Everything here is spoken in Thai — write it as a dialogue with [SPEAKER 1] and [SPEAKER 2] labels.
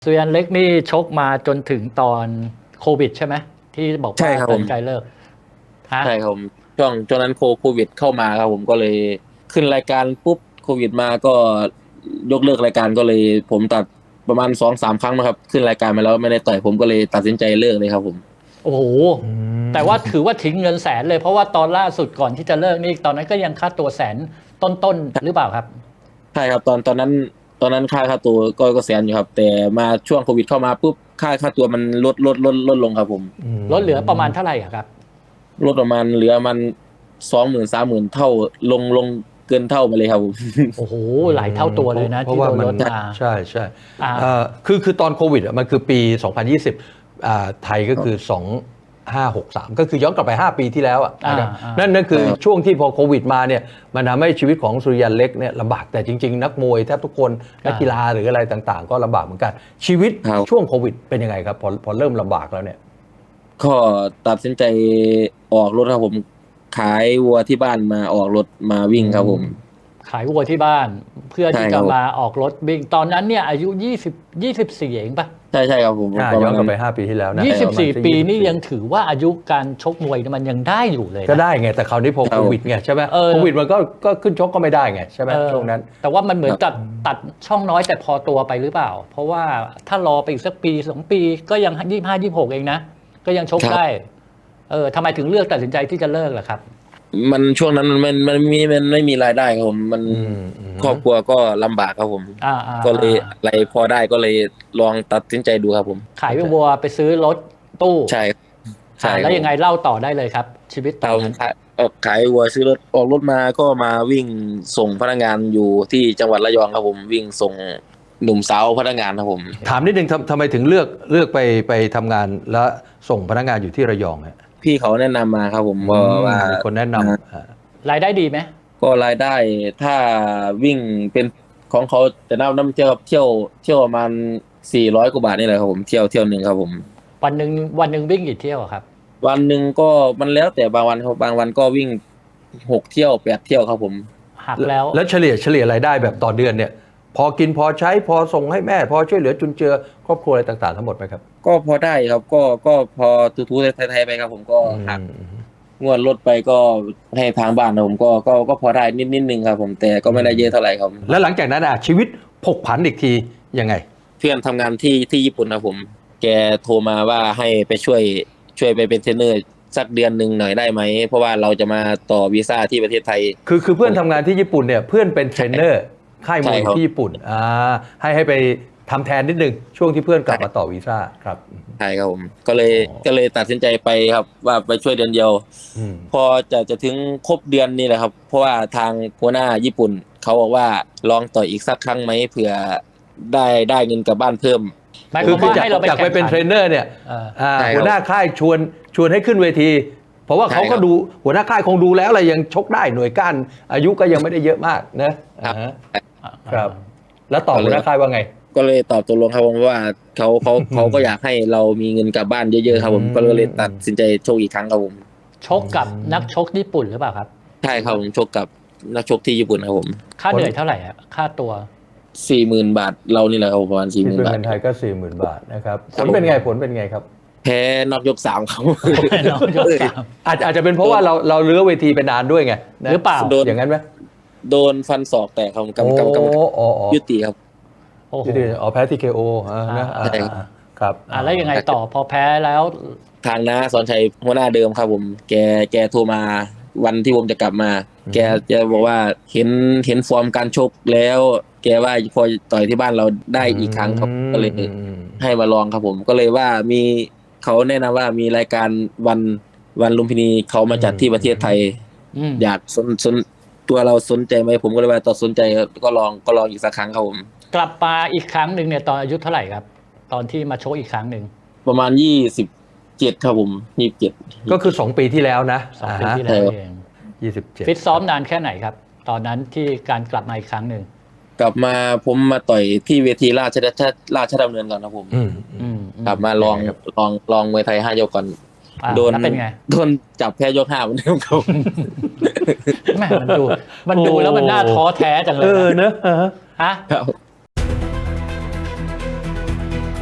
[SPEAKER 1] สุริยันเล็กนี่ชกมาจนถึงตอนโควิดใช่ไหมที่บอกว่าตัดสินใจเลิกฮะ
[SPEAKER 2] ใช่ครับผมช่วงนั้นโควิดเข้ามาครับผมก็เลยขึ้นรายการปุ๊บโควิดมาก็ยกเลิกรายการก็เลยผมตัดประมาณ2-3 ครั้งนะครับขึ้นรายการมาแล้วไม่ได้ต่อยผมก็เลยตัดสินใจเลิกเลยครับผม
[SPEAKER 1] โอ้โหแต่ว่าถือว่าทิ้งเงินแสนเลยเพราะว่าตอนล่าสุดก่อนที่จะเลิกนี่ตอนนั้นก็ยังค่าตัวแสนต้นหรือเปล่าครับ
[SPEAKER 2] ใช่ครับตอนนั้นค่าตัวก็แสนอยู่ครับแต่มาช่วงโควิดเข้ามาปุ๊บค่าตัวมันลดลงครับผม
[SPEAKER 1] ลดเหลือประมาณเท่าไหร่อะครับ
[SPEAKER 2] ลดประมาณเหลือมัน20,000-30,000เท่าลงเกินเท่ามาเลยครับผม
[SPEAKER 1] โอ้โหหลายเท่าตัวเลยนะ
[SPEAKER 3] เพราะ
[SPEAKER 1] ที่โดน
[SPEAKER 3] ว่ามัน
[SPEAKER 1] ลดมา
[SPEAKER 3] ใช่ใช่
[SPEAKER 1] อ่า
[SPEAKER 3] คือตอนโควิดมันคือปี 2020ไทยก็คือ 2563 ก็คือย้อนกลับไป 5 ปีที่แล้วนะครับนั่นคือช่วงที่พอโควิดมาเนี่ยมันทำให้ชีวิตของสุริยันเล็กเนี่ยลำบากแต่จริงๆนักมวยแทบทุกคนนักกีฬาหรืออะไรต่างๆ ก็ลำบากเหมือนกันชีวิตช่วงโควิดเป็นยังไงครับพอเริ่มลำบากแล้วเนี่ย
[SPEAKER 2] ก็ตัดสินใจออกรถครับผมขายวัวที่บ้านมาออกรถมาวิ่งครับผม
[SPEAKER 1] ขายวัวที่บ้านเพื่อที่
[SPEAKER 2] ใช่ครับ
[SPEAKER 1] จะมาออกรถวิ่งตอนนั้นเนี่ยอายุ24เองปะ
[SPEAKER 2] ใช่ครับผม
[SPEAKER 3] ย้อนกลับไป
[SPEAKER 2] ประมาณนั้น
[SPEAKER 3] 5 ปีที่แล้วนะ
[SPEAKER 1] 24ปีนี่ยังถือว่าอายุการชกมวยมันยังได้อยู่เลย
[SPEAKER 3] ก็
[SPEAKER 1] นะ
[SPEAKER 3] ได้ไงแต่คราวนี้พอโควิดไงใช่ไหมโควิดมันก็ขึ้นชกก็ไม่ได้ไงใช่ไหมช่วงนั้น
[SPEAKER 1] แต่ว่ามันเหมือนตัดช่องน้อยแต่พอตัวไปหรือเปล่า เพราะว่าถ้ารอไปอีกสักปี2 ปีก็ยัง25 26เองนะก็ยังชกได้ทำไมถึงเลือกตัดสินใจที่จะเลิกล่ะครับ
[SPEAKER 2] มันช่วงนั้นมันไม่มีรายได้ครับผมมันครอบครัวก็ลำบากครับผมก็เลยอะไรพอได้ก็เลยลองตัดสินใจดูครับผม
[SPEAKER 1] ขายวัวไปซื้อรถตู้
[SPEAKER 2] ใช่ใช่
[SPEAKER 1] แล้วยังไงเล่าต่อได้เลยครับชีวิตตอนนั้น
[SPEAKER 2] ขายวัวซื้อรถออกรถมาก็มาวิ่งส่งพนักงานอยู่ที่จังหวัดระยองครับผมวิ่งส่งหนุ่มสาวพนักงานครับผม
[SPEAKER 3] ถามนิดนึงทำไมถึงเลือกไปทำงานแล้วส่งพนักงานอยู่ที่ระยองฮะ
[SPEAKER 2] พี่เขาแนะนำมาครับผมว่า
[SPEAKER 3] มีคนแนะนำ
[SPEAKER 1] รายได้ดีไหม
[SPEAKER 2] ก็รายได้ถ้าวิ่งเป็นของเขาจะน้ำเที่ยวครับเที่ยวประมาณ400 กว่าบาทนี่แหละครับผมเที่ยวหนึ่งครับผม
[SPEAKER 1] วันหนึ่งวิ่งกี่เที่ยวอะครับ
[SPEAKER 2] วันหนึ่งก็มันแล้วแต่บางวันครับบางวันก็วิ่ง6 เที่ยว8 เที่ยวครับผม
[SPEAKER 1] หักแล้ว
[SPEAKER 3] เฉลี่ยรายได้แบบต่อเดือนเนี่ยพอกินพอใช้พอส่งให้แม่พอช่วยเหลือจุนเจือครอบครัวอะไรต่างๆทั้งหมดไหมครับ
[SPEAKER 2] ก็พอได้ครับก็พอทูๆไทยๆไปครับผมก็หักงวดรถไปก็ให้ทางบ้านผมก็พอได้นิดนึงครับผมแต่ก็ไม่ได้เยอะเท่าไหร่ครับ
[SPEAKER 3] แล้วหลังจากนั้นชีวิตผกผันอีกทียังไง
[SPEAKER 2] เพื่อนทำงานที่ญี่ปุ่นครับผมแกโทรมาว่าให้ไปช่วยไปเป็นเทรนเนอร์สักเดือนหนึ่งหน่อยได้ไหมเพราะว่าเราจะมาต่อวีซ่าที่ประเทศไทย
[SPEAKER 3] คือเพื่อนทำงานที่ญี่ปุ่นเนี่ยเพื่อนเป็นเทรนเนอร์ค่ายมวยที่ญี่ปุ่นให้ไปทำแทนนิดนึงช่วงที่เพื่อนกลับมาต่อวีซ่าครับ
[SPEAKER 2] ใช่ครับผมก็เลยตัดสินใจไปครับว่าไปช่วยเดือนเดียวพอจะถึงครบเดือนนี่แหละครับเพราะว่าทางหัวหน้าญี่ปุ่นเขาบอกว่าลองต่ออีกสักครั้งไหมเผื่อได้เงินกลับบ้านเพิ่ม
[SPEAKER 3] คือจากไปเป็นเทรนเนอร์เนี่ยหัวหน้าค่ายชวนให้ขึ้นเวทีเพราะว่าเขาก็ดูหัวหน้าค่ายคงดูแล้วอะไรยังชกได้หน่วยก้านอายุก็ยังไม่ได้เยอะมากนะครับแล้วต่อหัวหน้าค่ายว่าไง
[SPEAKER 2] ก็เลยตอบตกลงครับผมว่าเขาก็อยากให้เรามีเงินกลับบ้านเยอะๆครับผมก็เลยตัดสินใจชกอีกครั้งครับผม
[SPEAKER 1] ชกกับนักชกญี่ปุ่นหรือเปล่าครับ
[SPEAKER 2] ใช่ครับผมชกกับนักชกที่ญี่ปุ่นครับผม
[SPEAKER 1] ค่าเหนื่อยเท่าไหร่ค่าตัว
[SPEAKER 2] 40,000 บาทเรานี่แหละครับประมาณ40,000 บาท
[SPEAKER 3] เงินไทยก็40,000 บาทนะครับผลเป็นไงครับ
[SPEAKER 2] แพ้นอกยก3ครับ
[SPEAKER 1] นอกยก3
[SPEAKER 3] อาจจะเป็นเพราะว่าเราเลื้อเวทีไปนานด้วยไง
[SPEAKER 1] หรือเปล่า
[SPEAKER 3] อย่างนั้นไหม
[SPEAKER 2] โดนฟันศอกแตกครับกรรมยุติครับ
[SPEAKER 3] แพ้ที่เคโอนะครับ
[SPEAKER 2] แ
[SPEAKER 1] ล้วยังไงต่อพอแพ้แล้ว
[SPEAKER 2] ทางน้าสอนชัยหัวหน้าเดิมครับผมแกโทรมาวันที่ผมจะกลับมาแกจะบอกว่าเห็นฟอร์มการชกแล้วแกว่าพอต่อยที่บ้านเราได้อีกครั้งครับก็เลยให้มาลองครับผมก็เลยว่ามีเขาแนะนำว่ามีรายการวันลุมพินีเขามาจัดที่ประเทศไทยอยากสนตัวเราสนใจไหมผมก็เลยว่าต่อสนใจก็ลองอีกสักครั้งครับผม
[SPEAKER 1] กลับมาอีกครั้งหนึ่งเนี่ยตอนอายุเท่าไหร่ครับตอนที่มาชกอีกครั้งหนึ่ง
[SPEAKER 2] ประมาณ27ครับผม27
[SPEAKER 3] ก็คือ2 ปีที่แล้วนะ
[SPEAKER 1] 2 ปีที่แล้วเอง
[SPEAKER 3] 27
[SPEAKER 1] ฟิตซ้อมนานแค่ไหนครับตอนนั้นที่การกลับมาอีกครั้งหนึ่ง
[SPEAKER 2] กลับมาผมมาต่อยที่เวทีราชดำเนินก่อนครับผมกลับมาลองมวยไทย5 ยกก่อนโดนจับแพ้ยก5เหมือนเดิมครับ
[SPEAKER 1] แม่มันดูแล้วมันน่าท้อแท้จังเลย
[SPEAKER 3] เนอะ
[SPEAKER 1] ฮะ